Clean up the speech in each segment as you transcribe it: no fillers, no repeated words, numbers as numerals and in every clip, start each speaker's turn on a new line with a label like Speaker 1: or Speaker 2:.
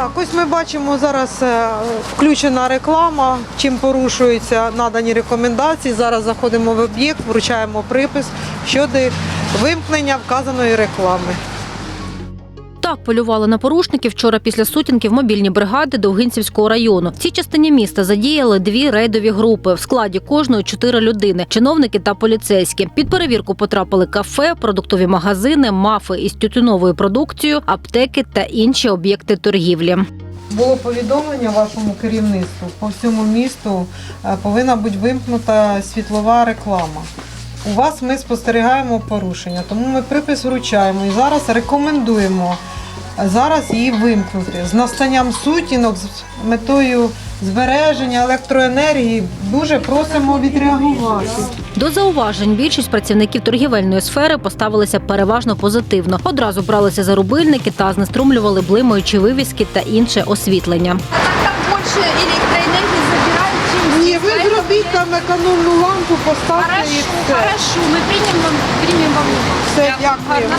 Speaker 1: Так, ось ми бачимо зараз включена реклама, чим порушуються надані рекомендації. Зараз заходимо в об'єкт, вручаємо припис щодо вимкнення вказаної реклами.
Speaker 2: Так полювали на порушників вчора після сутінків мобільні бригади Довгинцівського району. В цій частині міста задіяли 2 рейдові групи. В складі кожної 4 людини – чиновники та поліцейські. Під перевірку потрапили кафе, продуктові магазини, мафи із тютюновою продукцією, аптеки та інші об'єкти торгівлі.
Speaker 1: Було повідомлення вашому керівництву. По всьому місту повинна бути вимкнута світлова реклама. У вас ми спостерігаємо порушення, тому ми припис вручаємо і зараз рекомендуємо її вимкнути. З настанням сутінок, з метою збереження електроенергії дуже просимо відреагувати.
Speaker 2: До зауважень більшість працівників торгівельної сфери поставилися переважно позитивно. Одразу бралися за рубильники та знеструмлювали блимаючі вивіски та інше освітлення.
Speaker 3: Там більше електроенергії забирають, чим...
Speaker 1: Ні, ви зробіть там економну лампу, поставте і все.
Speaker 3: Хорошо, ми приймемо вам.
Speaker 1: Все, дякуємо.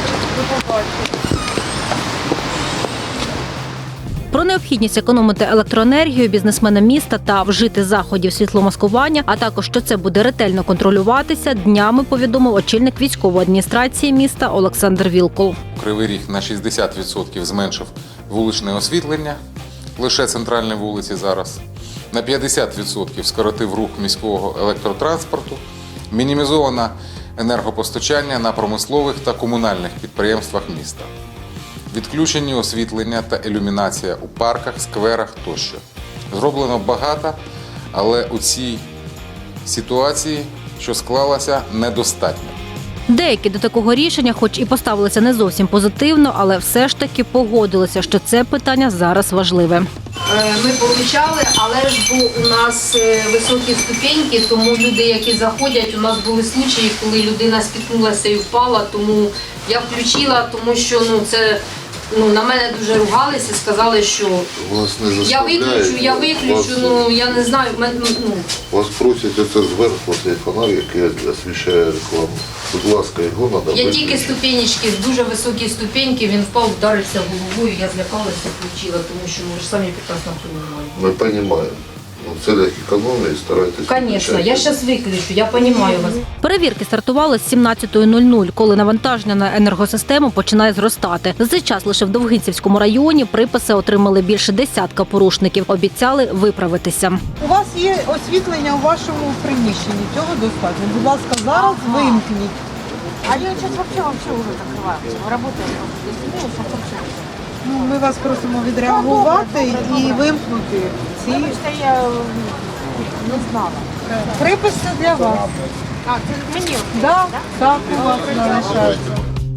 Speaker 2: Про необхідність економити електроенергію бізнесменам міста та вжити заходів світломаскування, а також, що це буде ретельно контролюватися, днями повідомив очільник військової адміністрації міста Олександр Вілкул.
Speaker 4: Кривий Ріг на 60% зменшив вуличне освітлення, лише центральні вулиці зараз. На 50% скоротив рух міського електротранспорту, мінімізовано енергопостачання на промислових та комунальних підприємствах міста. Відключені освітлення та ілюмінація у парках, скверах тощо. Зроблено багато, але у цій ситуації, що склалася, недостатньо.
Speaker 2: Деякі до такого рішення, хоч і поставилися не зовсім позитивно, але все ж таки погодилися, що це питання зараз важливе.
Speaker 5: Ми получали, але ж у нас високі ступеньки, тому люди, які заходять, у нас були случаї, коли людина спіткнулася і впала, тому я включила, тому що це на мене дуже ругалися, сказали, що я виключу, я не знаю.
Speaker 6: Вас просять оце зверху, цей фонарь, який освіщає рекламу. Будь ласка, його треба виключити.
Speaker 5: Я тільки ступенечки, дуже високі ступеньки, він впав, вдарився головою, я злякалася, включила, тому що ми ж самі прекрасно розуміємо.
Speaker 6: Ми розуміємо. В цілях економії старайтеся.
Speaker 5: Звісно, я зараз виключу, я розумію вас.
Speaker 2: Перевірки стартували з 17:00, коли навантаження на енергосистему починає зростати. За цей час лише в Довгинцівському районі приписи отримали більше десятка порушників. Обіцяли виправитися.
Speaker 1: У вас є освітлення у вашому приміщенні, цього достатньо. Будь ласка, зараз вимкніть.
Speaker 3: Они сейчас вообще уже закрываются. Работают вообще.
Speaker 1: Ми вас просимо відреагувати і вимкнути ці
Speaker 3: Потому что я не знала.
Speaker 1: приписи для вас.
Speaker 3: А, це мені?
Speaker 1: Так, у вас залишається.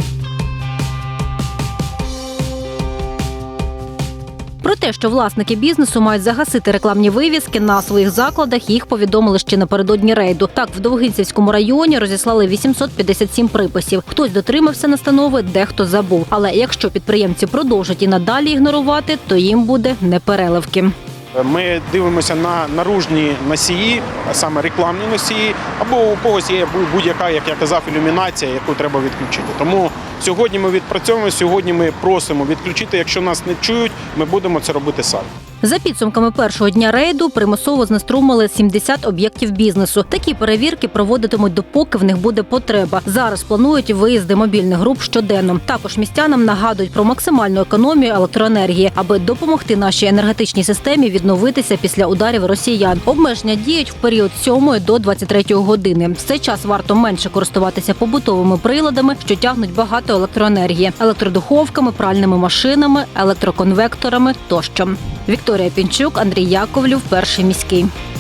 Speaker 2: Про те, що власники бізнесу мають загасити рекламні вивіски на своїх закладах, їх повідомили ще напередодні рейду. Так, в Довгинцівському районі розіслали 857 приписів. Хтось дотримався настанови, дехто забув. Але якщо підприємці продовжать і надалі ігнорувати, то їм буде непереливки.
Speaker 7: Ми дивимося на наружні носії, а саме рекламні носії, або у когось є будь-яка, як я казав, ілюмінація, яку треба відключити. Тому сьогодні ми відпрацьовуємо, сьогодні ми просимо відключити. Якщо нас не чують, ми будемо це робити самі.
Speaker 2: За підсумками першого дня рейду примусово знеструмили 70 об'єктів бізнесу. Такі перевірки проводитимуть допоки в них буде потреба. Зараз планують виїзди мобільних груп щоденно. Також містянам нагадують про максимальну економію електроенергії, аби допомогти нашій енергетичній системі відновитися після ударів росіян. Обмеження діють в період з 7 до 23 години. В цей час варто менше користуватися побутовими приладами, що тягнуть багато електроенергії – електродуховками, пральними машинами, електроконвекторами тощо. Вікторія Пінчук, Андрій Яковлів, Перший міський.